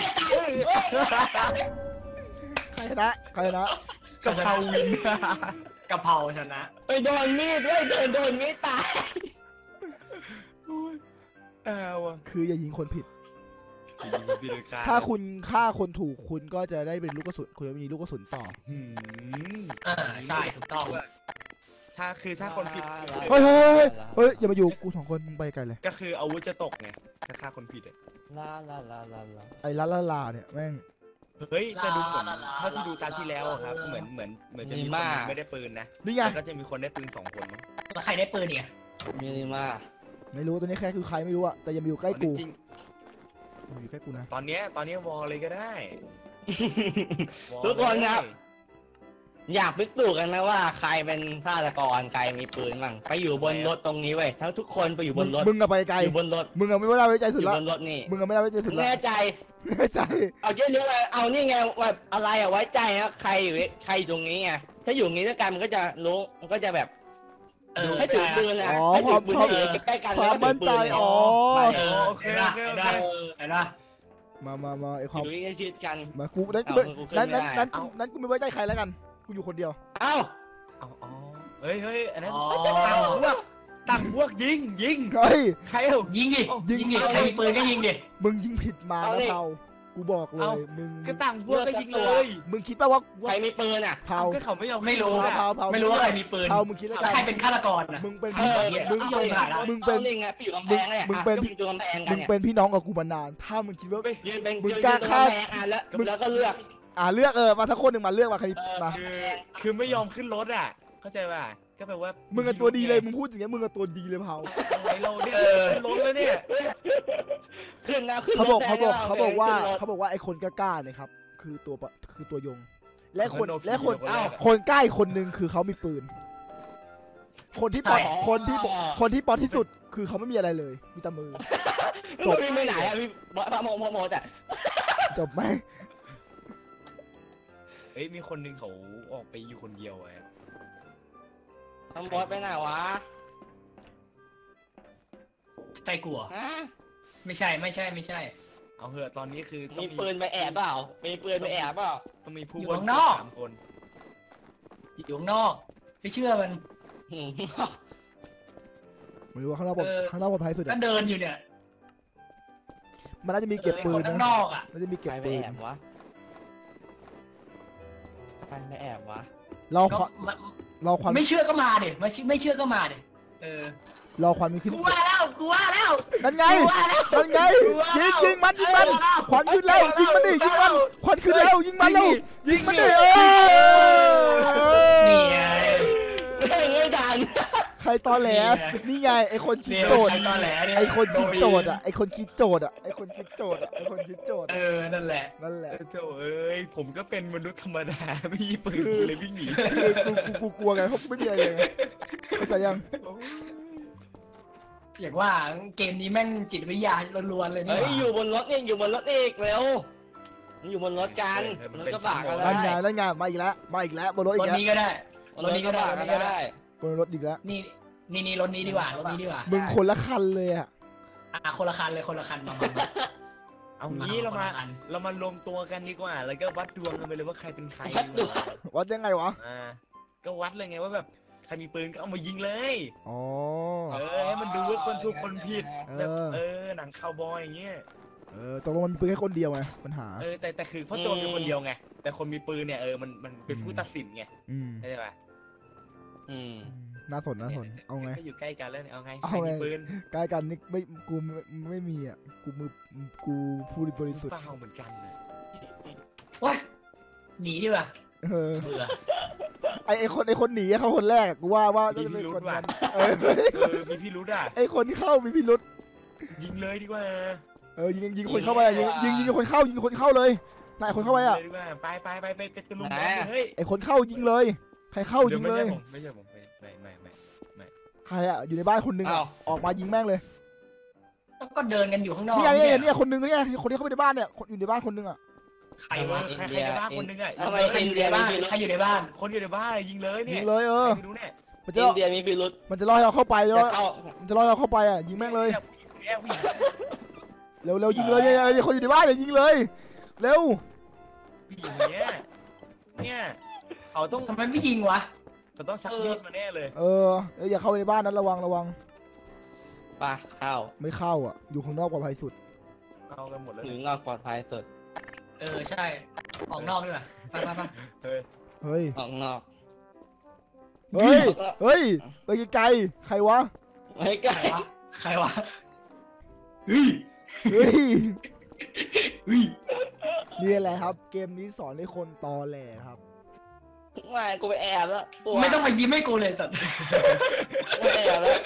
Speaker 1: ใครชนะใครชนะ
Speaker 2: กะเพราวิน
Speaker 3: กะเพราชนะ
Speaker 4: ไปโดนมีดด้วยเดินโดนมีดตาย
Speaker 2: อ้าวอ่ะ
Speaker 1: คืออย่ายิงคนผิด
Speaker 2: พี่เลยฆ่า
Speaker 1: ถ้าคุณฆ่าคนถูกคุณก็จะได้เป็นลูกกระสุนคุณจะมีลูกกระสุนต่อ
Speaker 2: หืม
Speaker 3: อ่าใช่ถูกต้อง
Speaker 2: ถ้าคือถ้าคนผิด
Speaker 1: เฮ้ยเฮ้ยเฮ้ยเฮ้ยอย่ามาอยู่กูสองคนมึงไปไกลเลย
Speaker 2: ก็คืออาวุธจะตกไงถ้าฆ่าคนผิดอ่ะ
Speaker 4: ลาลาลาลาลา
Speaker 1: ไอ้ลาลาลาเนี่ยแม่ง
Speaker 2: เฮ้ยจะดูเหมือนเท่าที่ดูตามที่แล้วอะครับเหมือนเหมือนเหมือนจะมีคนไม่ได้ปืนนะ
Speaker 1: นี่ไง
Speaker 2: แต่ก็จะมีคนได้ปืนสองคนมั้ง
Speaker 3: แล้วใครได้ปืนเนี่ย
Speaker 4: มีนิมา
Speaker 1: ไม่รู้ตัวนี้แค่คือใครไม่รู้อะแต่อย่ามาอยู่ใกล้กู
Speaker 2: จริง
Speaker 1: อย่ามาอยู่ใกล้กูนะ
Speaker 2: ตอนเนี้ยตอนเนี้ยวอลเลยก็ได้
Speaker 4: ทุกคนครับอยากพิสูจน์กันนะว่าใครเป็นฆาตกรใครมีปืนมั่งไปอยู่บนรถตรงนี้เว้ยทั้งทุกคนไปอยู่บนรถ
Speaker 1: มึงอะไปไกล
Speaker 4: อยู่บนรถ
Speaker 1: มึงอะไม่ได้ไว้ใจสุด
Speaker 4: อยู่
Speaker 1: ละ
Speaker 4: บนรถนี่
Speaker 1: มึงอะไม่ได้ไว้ใจสุดละ
Speaker 4: แน่ใจ
Speaker 1: แน่ใจ
Speaker 4: เอาเยอะๆเลยเอานี่ไงแบบอะไรอะไว้ใจนะใครอยู่ใครอยู่ตรงนี้ไงถ้าอยู่ตรงนี้ด้วยกันมันก็จะรู้มันก็จะแบบ
Speaker 3: เออ
Speaker 4: ให้ถือปืนนะให้ถือปืนให้อยู่ใกล้ๆกัน
Speaker 1: ค
Speaker 4: แล้ว
Speaker 1: วาม
Speaker 4: ก็ถื
Speaker 1: มั่
Speaker 4: อน ปื
Speaker 1: ใจ
Speaker 4: น
Speaker 1: อ๋อ
Speaker 3: เออโอเคโอเคโอเคเห็นปะ
Speaker 1: มามามาไอ
Speaker 4: อ
Speaker 1: ความ
Speaker 4: ยู่ใกล้ชิดกัน
Speaker 1: มากูนั้น
Speaker 4: เอากูขึ้น
Speaker 1: นั้น
Speaker 4: ไม่
Speaker 1: นั้น
Speaker 4: ได้
Speaker 1: นั้นนั้นกูไม่ไว้ใจใครแล้วกัน กูอยู่คนเดียว
Speaker 4: เอ้า
Speaker 2: เอาอ๋อเฮ้ยเฮ้ยอันนั้น
Speaker 3: อ๋อ
Speaker 2: ต่างพวกต่างพวกยิงยิง
Speaker 1: เฮ้ย
Speaker 2: ใครเอา
Speaker 3: ยิงดิ
Speaker 1: ยิง
Speaker 3: ยิงดิใครมีปืนก็ยิงดิ
Speaker 1: มึงยิงผิดมานะเผากูบอกเลย มึง
Speaker 2: ก็ต่างพวกก็ยิงเลย
Speaker 1: มึงคิดป่าว่า
Speaker 4: ใครมีปืนอ่ะ
Speaker 1: เผา
Speaker 2: ก็เขาไม่ยอม
Speaker 3: ไม่รู้
Speaker 2: อะ
Speaker 1: เผาเผา
Speaker 3: ไม่รู้ว่าใครมีปืน
Speaker 1: เผามึงคิดแล้วกัน
Speaker 3: ใครเป็นฆาตกรนะ
Speaker 1: มึงเป็น
Speaker 4: เอ
Speaker 1: พี่
Speaker 4: อ
Speaker 1: มึง
Speaker 3: เอา
Speaker 1: เป็น
Speaker 3: ยิงหน่อยนะ
Speaker 1: มึงเป็น
Speaker 4: อานี่ไงไปอยู่กำแพงเนี่ย
Speaker 1: มึงเป็น
Speaker 4: อ่ะก็อยู่กำแพงกั
Speaker 1: มึ
Speaker 4: น
Speaker 1: ง
Speaker 4: เนี่ย
Speaker 1: เป็นพี่น้องกับกูมานาน ถ้ามึงคิดว่า
Speaker 4: ยืนเป็น
Speaker 1: มึง
Speaker 4: ยืน
Speaker 1: กล้า
Speaker 4: อยู่
Speaker 1: ฆ่า
Speaker 4: กำแพงอ่ะแล้วแล้วก็เลือก
Speaker 1: อ่าเลือกเออมาสักคนหนึ่งมาเลือกมาใคร
Speaker 4: เออ
Speaker 1: มา
Speaker 2: คือคือไม่ยอมขึ้นรถอ่ะ เข้าใจป่ะก็แปลว่า
Speaker 1: มึงกับตัวดีเลย มึงพูดอย่างเงี้ย มึงกับตัวดีเลยเผา
Speaker 2: อะไรเราเนี่ยขึ้นรถแล้วเนี่ย
Speaker 4: ขึ้นนะขึ้น
Speaker 1: เขาบอก
Speaker 4: รถ
Speaker 1: เขาบอก
Speaker 4: แดง
Speaker 1: เขาบอกว่า
Speaker 4: ขึ้นรถ
Speaker 1: เขาบอกว่าไอ้คนกล้าๆเนี่ยครับ คือตัวปะคือตัวยง และคน
Speaker 2: เหมือนโนบิ
Speaker 1: และคน
Speaker 2: คนแรกอะ
Speaker 1: คนใกล้คนหนึ่งคือเขามีปืน คนที่ปอด
Speaker 3: ใช่
Speaker 1: คนที่คนที่ปอดที่สุดคือเขาไม่มีอะไรเลย มีแต่มือ จบ
Speaker 4: พี่ไม่ไหนอ่ะพี่บอกพระโมโมโมแต่
Speaker 1: จบไหม
Speaker 2: เฮ้ยมีคนหนึงเขาออกไปอยู่คนเดียวไอ้
Speaker 4: ตำรวจไปไหนวะ
Speaker 3: ใช่กูเหรอ
Speaker 4: ฮะ
Speaker 3: ไม่ใช่ไม่ใช่ไม่ใช่
Speaker 2: เอาเหอะตอนนี้คือต้อง
Speaker 4: มีปืนไปแอบเปล่ามีปืนไปแอบเปล่า
Speaker 2: ต้องมีผู้
Speaker 3: อยู่
Speaker 2: บริ
Speaker 3: ข้าง
Speaker 2: สุ
Speaker 3: น
Speaker 2: ท
Speaker 3: อก
Speaker 2: ธิ์สามคน
Speaker 3: อยู่ข้างนอก ไม่เชื่อมัน
Speaker 4: อืม
Speaker 1: ไม่รู้ว่าข้างนอกปลอด
Speaker 3: เออ
Speaker 1: ข้างนอกปลอดภัยสุด
Speaker 3: ก็
Speaker 1: อะ
Speaker 3: เดินอยู่เนี่ย
Speaker 1: มันน่าจะมีเก็บปืน
Speaker 3: คนข้าง
Speaker 1: นะ
Speaker 3: นอกอ่ะ
Speaker 1: น่าจะมีเก็บ
Speaker 4: ใครไป
Speaker 1: ปืน
Speaker 4: แอบวะใครไปแอบวะ
Speaker 1: รอค
Speaker 3: ก็
Speaker 1: วัน
Speaker 3: มัน
Speaker 1: รอควัน
Speaker 3: ไม่เชื่อก็มาดิไม่เชื่อไม่เชื่อก็มาดิเออ
Speaker 1: รอควันมันขึ้น
Speaker 3: กูว่าแล้วกูว่าแล้ว
Speaker 1: นั่นไง
Speaker 3: กูว่าแล้ว
Speaker 1: นั่นไง
Speaker 3: กูว่า
Speaker 1: ยิ
Speaker 3: แล้
Speaker 1: ง
Speaker 3: ว
Speaker 1: ยิงมันยิงมันควันขึ้นแล้วยิงมันดิยิงมันควันขึ้นแล้วยิงมันแล้วยิงมันดิเออ
Speaker 3: นี่ไง
Speaker 4: เฮ้ยไม่ดัน
Speaker 1: ใครตอแหล
Speaker 3: นี่ไง
Speaker 1: นี่ไงไอคนคิด
Speaker 3: เนี่ย
Speaker 1: โจทย์
Speaker 3: ใครตอแหลเนี่ย
Speaker 1: ไอคนคิดโจทย์
Speaker 3: โดน
Speaker 1: อ่ะไอคนคิดโจทย์อ่ะไอคนคิดโจทย์อ่ะไอคนคิดโจทย์
Speaker 3: เออนั่นแหละ
Speaker 1: นั่นแหละ
Speaker 2: เจ้าเอ้ยผมก็เป็นมนุษย์ธรรมดาไม่มีปืนเลยวิ่งหนี
Speaker 1: คือกูกูกูกลัวไงเพราะไม่มีอะไรเลยไงเข้าใจยัง
Speaker 3: อย่างว่าเกมนี้แม่งจิตวิทยาล้วนๆเลยนี่
Speaker 4: เฮ้ย
Speaker 3: หว่า
Speaker 4: อยู่บนรถนี่อยู่บนรถอีกเร็วมันอยู่บนรถกันรถกระบะกัน
Speaker 1: นั่นไง
Speaker 4: ได้
Speaker 1: นั่นไงมาอีกแล้วมาอีกแล้วบนรถอี
Speaker 3: ร
Speaker 1: ก
Speaker 3: ถ
Speaker 1: แล้ว
Speaker 3: นี้ก็ได้ รถนี้ก็ได้
Speaker 4: รถกระบะกันได้
Speaker 1: บนรถอีกแล้ว
Speaker 3: นี่นี่นี่รถนี้ดีกว่ารถนี้ดีกว่า
Speaker 1: มึงคนละคันเลยอ่ะ
Speaker 3: อ่ะคนละคันเลยคนละคันมามามา
Speaker 2: เอางี้เรามา
Speaker 3: คนละอัน
Speaker 2: เรามารวมตัวกันดีกว่า แล้วก็วัดดวงกันไปเลยว่าใครเป็นใคร
Speaker 4: วัดดวง
Speaker 1: วัดยังไงวะ
Speaker 2: อ่าก็วัดเลยไงว่าแบบใครมีปืนก็เอามายิงเลย
Speaker 1: อ๋อ
Speaker 2: เออให้มันดูว่าคนถูกคนผิด
Speaker 1: เอ
Speaker 2: แบบ
Speaker 1: อ
Speaker 2: เออหนังคาวบอยอย่างเงี้ย
Speaker 1: เออตกลงมันมีปืนแค่คนเดียวไงปัญหา
Speaker 2: เออแต่แต่คือพ่อโจรเป็นคนเดียวไงแต่คนมีปืนเนี่ยเออมันมันเป็นผู้ตัดสินไง
Speaker 1: อืม
Speaker 2: ใช่ไหม
Speaker 4: อืม
Speaker 1: น่าสนน่าสนเอาไง
Speaker 2: ก็อยู่ใกล้กันแล้วเนี่ยเอาไง
Speaker 1: เอา
Speaker 2: ใคร
Speaker 1: ไง
Speaker 2: มีปืน
Speaker 1: ใกล้กันนี่ไม่กูไม่ไม่มีอ่ะกูมือกูผู้บริสุทธิ์
Speaker 2: เปล่าเหมือนกันนะ
Speaker 3: ว้าหนีดีกว่า
Speaker 1: เออ
Speaker 3: เบื่อ
Speaker 1: ไอไอคนไอคนหนีอะเขาคนแรกอะกูว่าว่าน่าจะเป็นคนนั้นเออ
Speaker 2: เออมีพี่รู้ด่ะ
Speaker 1: ไอคนที่เข้ามีพิรุษ
Speaker 2: ยิงเลยดีกว่า
Speaker 1: เออยิงยิงคนเข้าไปอะยิงยิงยิงคนเข้ายิงคนเข้าเลยนายคนเข้าไปอ่ะ
Speaker 2: ยิงลยดีกว่าไปไปไปไปไปตะลุม
Speaker 4: ไหน
Speaker 2: บอล
Speaker 4: อะ
Speaker 2: เฮ้ย
Speaker 1: ไอคนเข้ายิงเลย ใครเข้า
Speaker 2: ดี๋
Speaker 1: ยิ
Speaker 2: ว
Speaker 1: ง
Speaker 2: ไม่
Speaker 1: เลย
Speaker 2: ใช่ผมไม่ใช่ผมไม่ไม่ไม่ไม่
Speaker 1: ใครอ่ะอยู่ในบ้านคนหนึง
Speaker 4: อ้า
Speaker 1: อะ
Speaker 4: ว
Speaker 1: ออกมายิงแม่งเลย
Speaker 3: ก็เดินกันอยู่ข้างนอก
Speaker 1: นี่ไง
Speaker 3: ไม่
Speaker 1: นี่ไง
Speaker 3: ใช่
Speaker 1: เนี่ยคนหนึงเนี่ยคนที่เข้าไปในบ้านเนี่ยคนอยู่ในบ้านคนหนึงอ่ะ
Speaker 3: ใคร
Speaker 2: ใคร
Speaker 3: วะ
Speaker 2: ใครใครในบ้านคนหนึงอ่ะ
Speaker 4: ทำไม
Speaker 3: ใครอยู่ในบ้านใครอยู่ในบ้าน
Speaker 2: คนอยู่ในบ้านยิงเลยเนี่
Speaker 1: ยิ
Speaker 2: ย
Speaker 1: งเลยเออ
Speaker 2: ใครไม่รู้เนี่ย
Speaker 1: มันจะ
Speaker 4: อินเดียมีพิรุษ
Speaker 1: มันจะล่อให้เราเข้าไปแล้ว
Speaker 4: จะเข้า
Speaker 1: มันจะล่อให้เราเข้าไปอ่ะยิงแม่งเลย
Speaker 2: เนี่ยผู้หญิง
Speaker 1: เร็วเร็วยิงเลยเนี่ยเนี่ยคนอยู่ในบ้านเนี่ยยิงเลยเร็ว
Speaker 2: ผู้หญิงเนี่ยเนี่ยเขาต้อง
Speaker 3: ทำไมไม่ยิงวะ
Speaker 2: เขาต้องชักมีดมาแน่เลย
Speaker 1: เออเอออย่าเข้าไปในบ้านนั้นระวังระวัง
Speaker 4: ไปเข้า
Speaker 1: ไม่เข้าอ่ะอยู่ข้างนอกปลอดภัยสุด
Speaker 2: เอากันหมดแล้ว
Speaker 4: อยู่นอกปลอดภัยสุด
Speaker 3: เออใช่ออกนอกดีกว่าไปไปไป
Speaker 2: เฮ้ย
Speaker 1: เฮ้ย
Speaker 4: ออกนอก
Speaker 1: เฮ้ยเฮ้ยไปไกลๆใครวะ
Speaker 4: ไม่ใก
Speaker 3: ใค
Speaker 4: ล้
Speaker 3: รวะใครวะเฮ้ย
Speaker 1: เฮ้ย
Speaker 3: เฮ้ย
Speaker 1: นี่แหละครับ เกมนี้สอนให้คนตอแหลครับ
Speaker 4: ไม่กูไปแอบแล้วกลัว
Speaker 3: ไม่ต้องมายิ้มให้กูเลยสัตว์
Speaker 4: ไม่แอบแล้ว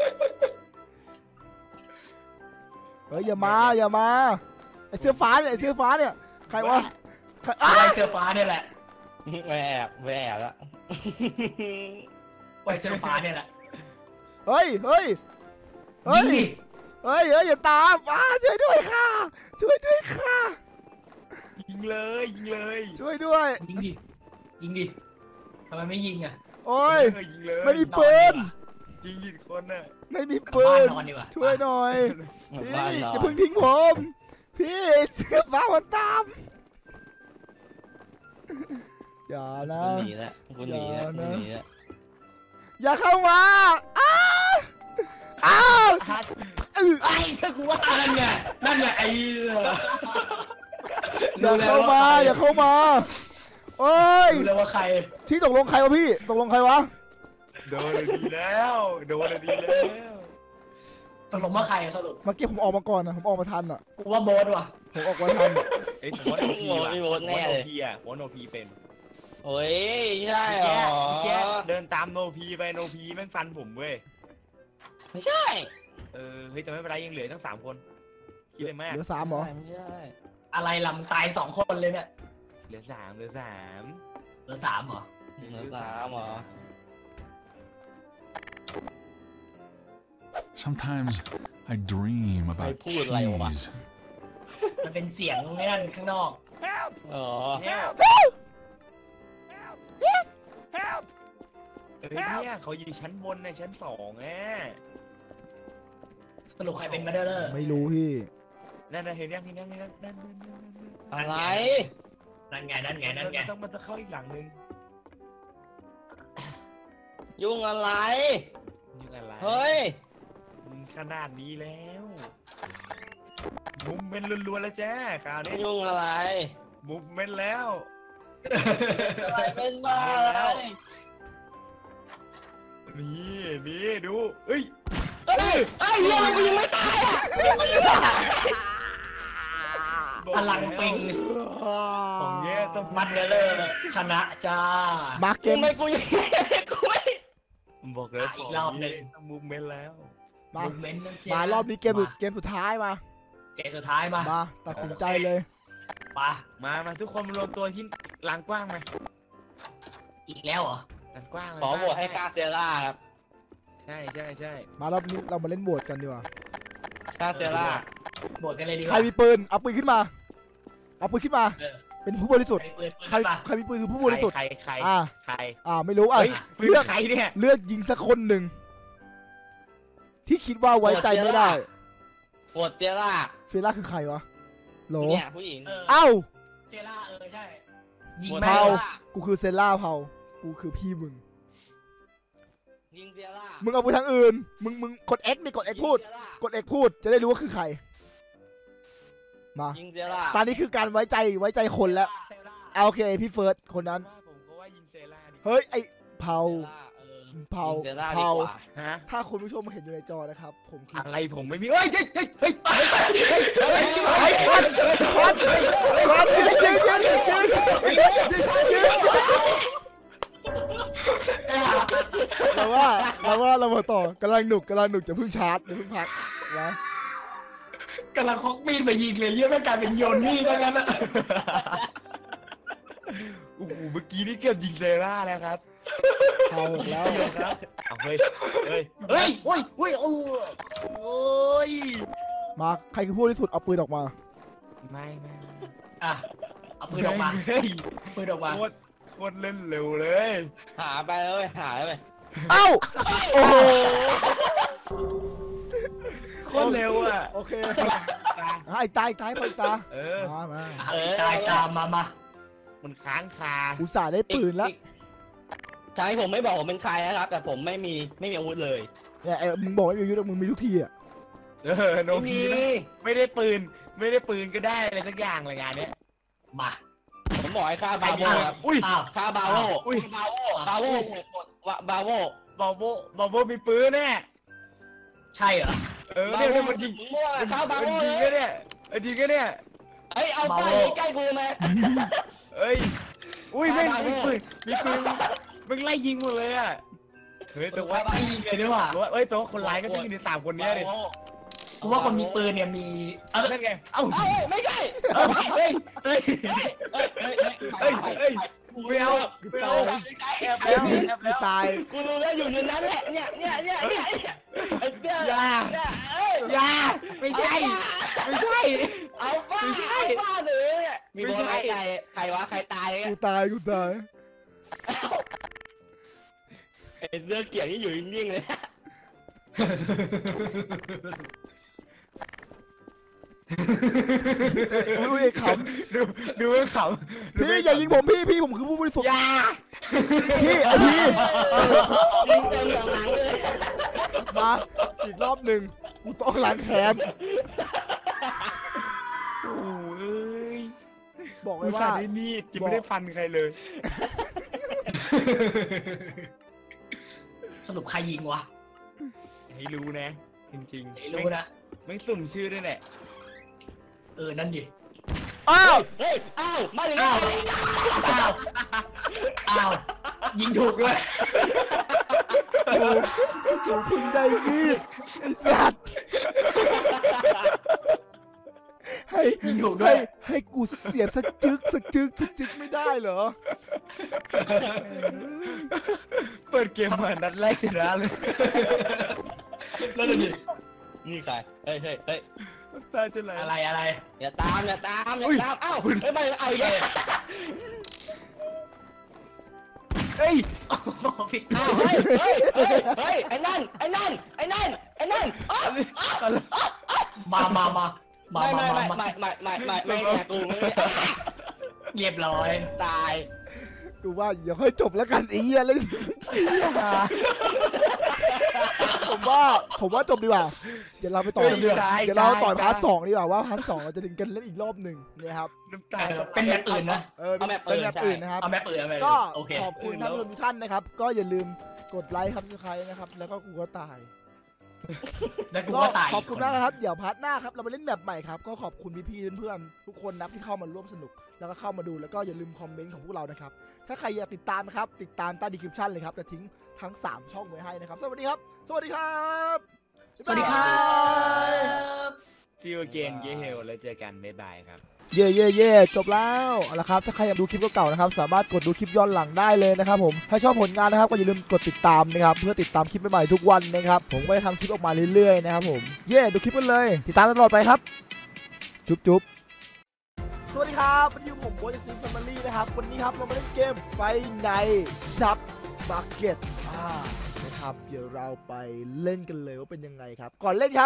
Speaker 1: เฮ้ยอย่ามาอย่ามาไอเสื้อฟ้าเนี่ยไอเสื้อฟ้าเนี่ยใครวะใคร
Speaker 3: อะไรเสื้อฟ้าเนี่ยแหละ
Speaker 1: เ
Speaker 4: ไม่แอบไม่แอบละ
Speaker 3: ไวเซอร์ฟ้าเนี่ยแหละ
Speaker 1: เฮ้ยเฮ้ยเฮ้ย
Speaker 3: ยิงดิ
Speaker 1: เฮ้ยเฮ้ยอย่าตามอ้าช่วยด้วยค่ะช่วยด้วยค่ะ
Speaker 2: ยิงเลยยิงเลย
Speaker 1: ช่วยด้วย
Speaker 3: ยิงดิยิงดิทำไมไม่ยิงอ่ะ
Speaker 1: โอ้ย
Speaker 2: เออยิงเลย
Speaker 1: ไม่มีปืน
Speaker 2: ยิงยิงคนน่ะ
Speaker 1: ไม่มี
Speaker 3: กลับ
Speaker 1: ปื
Speaker 3: บ้าน
Speaker 1: น
Speaker 3: นอนดีกว่า
Speaker 1: ช่วยหน่อย
Speaker 4: หมู่
Speaker 1: พี่
Speaker 4: บ้านนอ
Speaker 1: อย่าน เพิ่งทิ้งผมพี่เสื้อฟ้ามันตามอย่านะ
Speaker 4: คุณหนีแล้วคุณหนีแล้วคุณหนีแล้ว
Speaker 1: อย่าเข้ามาอ้าวอ้าวอื้อ
Speaker 3: ไอ้ถ้ากูว่านั่นไงนั่นไงไอ้
Speaker 1: อย่าเข้ามาอย่าเข้ามาโอ้ย
Speaker 3: รู้แล้วว่าใคร
Speaker 1: ที่ตกลงใครวะพี่ตกลงใครวะ
Speaker 2: โดนดีแล้วโดนดีแล้ว
Speaker 3: ตกลงว่าใครสรุป
Speaker 1: เมื่อกี้ผมออกมาก่อนนะผมออกมาทันอ่ะ
Speaker 3: กูว่าโบ๊ทว่ะ
Speaker 1: ผมออกมาทัน
Speaker 2: เอ้ยผมว่าโนพี
Speaker 4: โอ้
Speaker 2: ว่ะ
Speaker 4: ยโบ๊ทแน่เลย
Speaker 2: โนพีอ่ะว่าโนพีเป็น
Speaker 4: โอ้ยใช่เหร
Speaker 2: แก
Speaker 4: อ
Speaker 2: แกเดินตามโนพีไปโนพีแม่งฟันผมเว้ย
Speaker 4: ไม่ใช่
Speaker 2: เออเฮ้ยแต่ไม่เป็นไรยังเหลือตั้งสามคนคิดเลยมาก
Speaker 1: เหลือสามเหรอ
Speaker 4: ไม่ใช่
Speaker 3: อะไรลำตายสองคนเลยเนี่ย
Speaker 2: เหลือสามเหลือสาม
Speaker 3: เหลือสามเหรอ
Speaker 4: เหลือสามเหรอ
Speaker 5: Sometimes I dream
Speaker 4: ใคร
Speaker 5: about
Speaker 4: พูดอะไรวะ
Speaker 5: cheese.
Speaker 3: มันเป็นเสียงไม่นั่นข้างนอก
Speaker 4: อ๋อ
Speaker 2: เนี่ยเฮ้ยเนี่ยเขาอยู่ชั้นบนในชั้นสองอ่ะ
Speaker 3: สรุปใครเป็นมาเดอร์
Speaker 1: ไม่รู้พี่
Speaker 2: นั่นน่ะเห็นยังเห็นยังเห็นยังนั่นนั่นนั่นนั่นนั่น
Speaker 4: อะไร
Speaker 3: นั่นไงนั่นไงนั่นไง
Speaker 2: มันต้องมันจะเข้าอีกหลังนึง
Speaker 4: ยุ่งอะไร
Speaker 2: ยังอะไร
Speaker 4: เฮ้ย
Speaker 2: มึงขนาดนี้แล้วมุมเป็นล้วนๆแล้วจ้าคราวนี้
Speaker 4: ยุ่งอะไร
Speaker 2: มุมเป็นแล้ว
Speaker 4: อะไรเป็นบ้าอะไร
Speaker 2: นี่นี่ดูเอ้ย
Speaker 4: เฮ้ยไอ้เหี้ยมันยังไม่ตายอ่ะ
Speaker 2: บอก
Speaker 3: พลังปิง
Speaker 2: ของเงี้ยต้อง
Speaker 3: มัดเดอร์ชนะจ้า
Speaker 1: มาเก
Speaker 4: กู
Speaker 1: ม
Speaker 4: ไม่กูยังกูไม่
Speaker 2: บอกเลย
Speaker 3: อีกรอบหนึ่ง
Speaker 2: ต้องมุมเป็นแล้ว
Speaker 1: มา
Speaker 3: มูเมนต์นั่นเชีย
Speaker 1: มารอบนี้เกมสุดเกมสุดท้ายมา
Speaker 3: เกมสุดท้ายมา
Speaker 1: มาตัดสินใจเลย
Speaker 3: ไป
Speaker 2: มามาทุกคนมารวมตัวที่ลานกว้างไหม
Speaker 3: อีกแล้วเหรอ
Speaker 2: ลานกว้างเลย
Speaker 4: ขอโหวตให้ค่าเซร่าครับ
Speaker 2: ใช่ใช่ใช่
Speaker 1: มารอบนี้เรามาเล่นโหวตกันดีกว่า
Speaker 4: ค่าเซร่า
Speaker 3: บวชกันเลยดีก
Speaker 1: ใคร
Speaker 3: ว่า
Speaker 1: มีปืนเอาปืนขึ้นมาเอาปืนขึ้นมา
Speaker 3: เออ
Speaker 1: เป็นผู้บริสุทธิ์
Speaker 3: ใครปืนปืน
Speaker 1: ใคร
Speaker 3: ป่ะ
Speaker 1: ใครมีปืนคือผู้บริสุทธิ์
Speaker 2: ใครใคร
Speaker 1: อ่า
Speaker 2: ใคร
Speaker 1: อ่าไม่รู้อ่ะ
Speaker 2: เฮ้ยปืน
Speaker 1: เลือก
Speaker 2: ใครเนี่ย
Speaker 1: เลือกยิงสักคนหนึ่งที่คิดว่าไว้ใจไม่ได้
Speaker 4: โหวตเซร่า
Speaker 1: เฟล่าคือใครวะโหล
Speaker 4: เนี่ยผู้หญิง
Speaker 3: เออ
Speaker 1: เอ้า
Speaker 3: เซล่าเออใช่ยิง
Speaker 4: โหวต
Speaker 3: แม่
Speaker 1: เผา
Speaker 3: ง
Speaker 1: กูคือเซล่าเผากูคือพี่มึง
Speaker 4: ยิงเซร่า
Speaker 1: มึงเอาไปทางอื่น มึงมึงกด X นี่กด X พูด
Speaker 4: ยิงเซร่าก
Speaker 1: ด X พูดจะได้รู้ว่าคือใคร มา
Speaker 4: ยิงเซร่า
Speaker 1: ตอนนี้คือการไว้ใจไว้ใจคนแล้ว
Speaker 3: เซล่า
Speaker 1: เอาโอเคพี่เฟิร์สคนนั้น
Speaker 2: ว่าผมก็ว่ายิงเซล่าดิ
Speaker 1: เฮ้ยไอเผา
Speaker 4: เซร่าเออ
Speaker 1: เผา
Speaker 4: ยิงเซร่าดี
Speaker 1: เผา
Speaker 4: กว่า
Speaker 2: ฮะ
Speaker 1: ถ้าคุณผู้ชมเห็นอยู่ในจอนะครับ ผมคือ
Speaker 2: อะไรผมไม่มีเฮ้ยเฮ้ยเฮ้ยเฮ้ยเฮ้ยเฮ้ยเฮ้ย
Speaker 1: ไอ้พันพันพันยิงยิงยิงยิงยิงยิงเราว่าเราว่าเรามาต่อกำลังหนุกกำลังหนุกจะเพิ่งชาร์จจะเพิ่งพักนะ
Speaker 3: กำลังคอกมีดไปยิงเลยเยอะแม่งกลายเป็นโยนมีดแล้วงั้นอะ
Speaker 2: โอ้โหเมื่อกี้นี่เกือบยิงเซล่าแล้วครับ
Speaker 1: เผาแล้ว
Speaker 2: ครับเอาเฮ้ยเฮ้ยเฮ้ยโอ้ยโอ้ยโอ้ยโอ้ย
Speaker 1: มาใครคือผู้ที่สุดเอาปืนออกมา
Speaker 2: ไม่ไม่
Speaker 3: อ่ะเอาปืนออกมา
Speaker 2: เฮ้ย
Speaker 3: เอาปืนออกมา
Speaker 2: โคตรโคตรเล่นเร็วเลย
Speaker 4: หาไปเลยหาไป
Speaker 1: เอ้าโอ้โห
Speaker 2: โคตรเร็วอ่ะ
Speaker 1: โอเคไอ้ตายตายไปตา
Speaker 2: เออ
Speaker 1: มามา
Speaker 3: เออตายตามมามา
Speaker 2: มันค้างคา
Speaker 1: อุตส่าห์ได้ปืนแล้ว
Speaker 4: ทางที่ผมไม่บอกผมเป็นใครนะครับ แต่ผมไม่มีไม่มีอาวุธเลย
Speaker 1: เนี่ยไอ้มึงบอกว่ามีอายุทธ์มึงมีทุกทีอ่ะ
Speaker 2: เออโน
Speaker 4: ไม่
Speaker 2: พี
Speaker 4: มี
Speaker 2: ไม่ได้ปืน ไม่ได้ปืนก็ได้อะไรสักอย่างเลยงานเนี้ย
Speaker 3: มา
Speaker 4: ผมบอกให้ค่าบาโวครับ
Speaker 2: อุ้ย
Speaker 3: อ้าว
Speaker 4: ค่าบาโว
Speaker 2: อุ้ย
Speaker 4: บาโวบาโวบาโว
Speaker 2: บอโบบอโบมีปืนแน่
Speaker 3: ใช่เหรอ
Speaker 2: เออเนี่ยเนี่ยมันยิง
Speaker 4: มั่ว
Speaker 2: มัน
Speaker 4: ค่าบาโว
Speaker 2: มัน
Speaker 4: เล
Speaker 2: ยิง
Speaker 4: ย
Speaker 2: ก็เนี่ยเออยิงก็เนี่ย
Speaker 4: เฮ้ยเอาไปใกล้กูไหม
Speaker 2: เอ้ยอุ้ยแม่ง
Speaker 4: บาโบ้
Speaker 2: มีปืนมีปืนมึงไล่ยิงหมดเลยอ่ะเฮ้ยแต่ว่า
Speaker 3: ไม่ยิงเลยด้วยว่ะ
Speaker 2: แต่ว่าเอ้ยแต่ว่าคนร้ายก็ต้องอยู่ในสามคนเนี้ยดิ
Speaker 3: กูว่าคนมีปืนเนี่ยมีเออ
Speaker 2: นั่นไงเอ้า
Speaker 4: เอ้าไม่ใช่
Speaker 2: เอ้าเฮ้ยเฮ้ย
Speaker 4: เฮ้ยเฮ้ย
Speaker 2: เฮ้ยเฮ้ยไม่เอา
Speaker 1: กู
Speaker 2: ไม่
Speaker 1: ตา
Speaker 2: เอา
Speaker 1: ย
Speaker 2: แอบแล้วแอบ
Speaker 1: กู
Speaker 2: แล้ว
Speaker 1: ตาย
Speaker 4: กูรู้แล้วอยู่ในนั้นแหละเนี่ยเนี่ยเนี่ยเนี่ยไอ้เจ้า
Speaker 3: อย่า
Speaker 4: เอ้ย
Speaker 3: อย่าไม่ใช่ไม่ใช่
Speaker 4: เอาบ้า
Speaker 3: ไม่ใช่
Speaker 4: เอาบ้าเลยเนี่ยมี
Speaker 3: ไม่
Speaker 4: บอล
Speaker 3: ใช่
Speaker 4: ใครใครวะใครตาย
Speaker 1: กู
Speaker 4: เนี่ย
Speaker 1: ตายกูตาย
Speaker 4: ไอ้เรื่องเกี่ยวนี่อยู่นิ่งๆเลย
Speaker 1: อุ้ยข
Speaker 2: ดูดูให้ขำ
Speaker 1: ำพี่อย่ายิงผมพี่พี่ผมคือผู้บริสุทธิ์
Speaker 4: อย่า
Speaker 1: พี่ไอพี่
Speaker 4: ยิงเต็มหลังเลย
Speaker 1: มาอีกรอบหนึ่งกูต้องล้างแค้น
Speaker 2: โอ้ย
Speaker 1: บอกเล
Speaker 2: กู
Speaker 1: ย
Speaker 2: สั่
Speaker 1: ว่า
Speaker 2: นได้มีดยังไม่ได้ฟันใครเลย
Speaker 3: สรุปใครยิงวะ
Speaker 2: ให้รู้นะ จริงๆ
Speaker 3: ไม่รู้นะ
Speaker 2: ไม่สุ่มชื่อด้วยแหละ
Speaker 3: เออนั่นดิ
Speaker 1: อ้าว
Speaker 4: เฮ้ยอ้าวมาถึงแล้ว
Speaker 3: อ้าวอ้าวยิงถูกด้วย
Speaker 1: กูกูเพิ่งได้มีดไอ้สัตว์ให้
Speaker 3: ยิงถูกด้ว
Speaker 1: ให้
Speaker 3: ย
Speaker 1: ให้กูเสียบสักจึกสักจึกสักจึกไม่ได้เหรอ
Speaker 2: เปิดเกมมานัดแรกชนะเลย
Speaker 3: แล้วดูดิ
Speaker 4: นี่ใครเฮ้ยเฮ้ยเฮ้ย
Speaker 2: ตาจะไหล
Speaker 3: อะไรอะไร
Speaker 4: อย่าตามอย่าตามอย่าตามอ้าวเฮ้ยไม่เอาอีกแล้ว
Speaker 2: เฮ้ย
Speaker 3: โอ้โหผิด
Speaker 4: อ้าวเฮ้ยเฮ้ยเฮ้ยเฮ้ยไอ้นั่นไอ้นั่นไอ้นั่นไอ้นั่นอ้าว
Speaker 3: มามามามา
Speaker 4: ไม่
Speaker 3: มา
Speaker 4: ไม่
Speaker 3: มา
Speaker 4: ไม่
Speaker 3: มา
Speaker 4: ไม่ไม่ไม่ไม่ไม่แกกูไม่
Speaker 3: เรียบร้อย
Speaker 4: ตาย
Speaker 1: กูว่าอย่าค่อยจบแล้วกันไอ้เหี้ยเลยผมว่าผมว่าจบดีกว่าเดี๋ยวเราไปต่อ
Speaker 2: เฮ้ย
Speaker 1: เดี๋ยว
Speaker 2: ได้
Speaker 1: เดี๋ยวเรา
Speaker 2: ได้
Speaker 1: ต่อพาร์ท
Speaker 2: ได้
Speaker 1: สองดีกว่าว่าพาร์ทสองเราจะดึงกันเล่นอีกรอบหนึ่งนะครับ
Speaker 2: น้ำตา
Speaker 3: เออเป็นแบบอื่นนะ
Speaker 1: เออเป็นเป็นแบบอื่นนะครับ
Speaker 3: เอาแม่เปิดเอาแม่
Speaker 1: ก็
Speaker 3: โอเค
Speaker 1: ขอบคุณท่านผู้ชมทุกท่านนะครับ ก็อย่าลืมกดไลค์ครับทุกใครนะครับ แล้วก็กูก็ตาย
Speaker 3: แล้วกู
Speaker 1: ก็
Speaker 3: ก็ตาย
Speaker 1: ขอบคุณมากนะครับ เดี๋ยวพาร์ทหน้าครับเรามาเล่นแบบใหม่ครับ ก็ขอบคุณพี่ๆเพื่อนๆทุกคนนะที่เข้ามาร่วมสนุก แล้วก็เข้ามาดูแล้วก็อย่าลืมคอมเมนต์ของพวกเรานะครับ ถ้าใครอยากติดตามนะครับ ติดตามใต้ดีคริปชั่นเลยครับจะทิ้งทั้งสามช่องไว้ให้นะครับ สวัสดีครับ สวัสดีครับ
Speaker 3: สวัสดีครับ
Speaker 2: ฟิวเกนเยเฮลแล้วเจอกันบ๊ายบายครับ
Speaker 1: เย่เย่เย่จบแล้วเอาละครับถ้าใครอยากดูคลิปเก่าๆนะครับสามารถกดดูคลิปย้อนหลังได้เลยนะครับผมถ้าชอบผลงานนะครับก็อย่าลืมกดติดตามนะครับเพื่อติดตามคลิปใหม่ๆทุกวันนะครับผมก็จะทำคลิปออกมาเรื่อยๆนะครับผมเย่ดูคลิปกันเลยติดตามตลอดไปครับจุ๊บจุ๊บสวัสดีครับวันนี้ผมโบยซีแฟมิลี่นะครับวันนี้ครับเรามาเล่นเกมไฟในซับบักเก็ตอ่านะครับเดี๋ยวเราไปเล่นกันเลยว่าเป็นยังไงครับก่อนเล่นครับ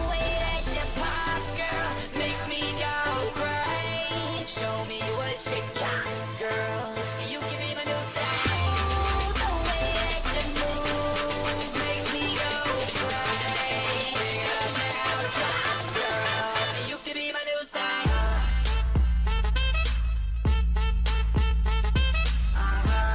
Speaker 6: Show me what you got, girl. You can be my new thing. The way that you move makes me go crazy. Bring it up now, drop, girl. You can be my new thing. Uh-huh.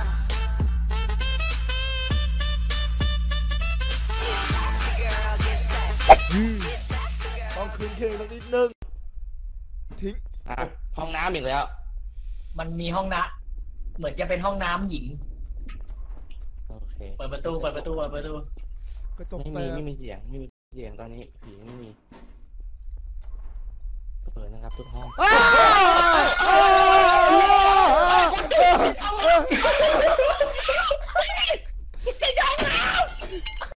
Speaker 6: Get sexy, girl. Get sexy. Get sexy, girl.
Speaker 1: ต้องคืนเพลงสักนิดนึงทิ้ง
Speaker 4: อ่ะห้องน้ำอีกแล้ว
Speaker 3: มันมีห้องน้ำเหมือนจะเป็นห้องน้ำหญิง
Speaker 4: โอเค
Speaker 3: เปิดประตูเปิดประตูเปิดประตู
Speaker 1: กระจก
Speaker 4: ไม่
Speaker 1: แต
Speaker 4: มี
Speaker 1: ก
Speaker 4: ไม่มีเสียงไม่มีเสียงตอนนี้ผีไม่มีเปิดนะครับทุกห้อง
Speaker 1: อ้าว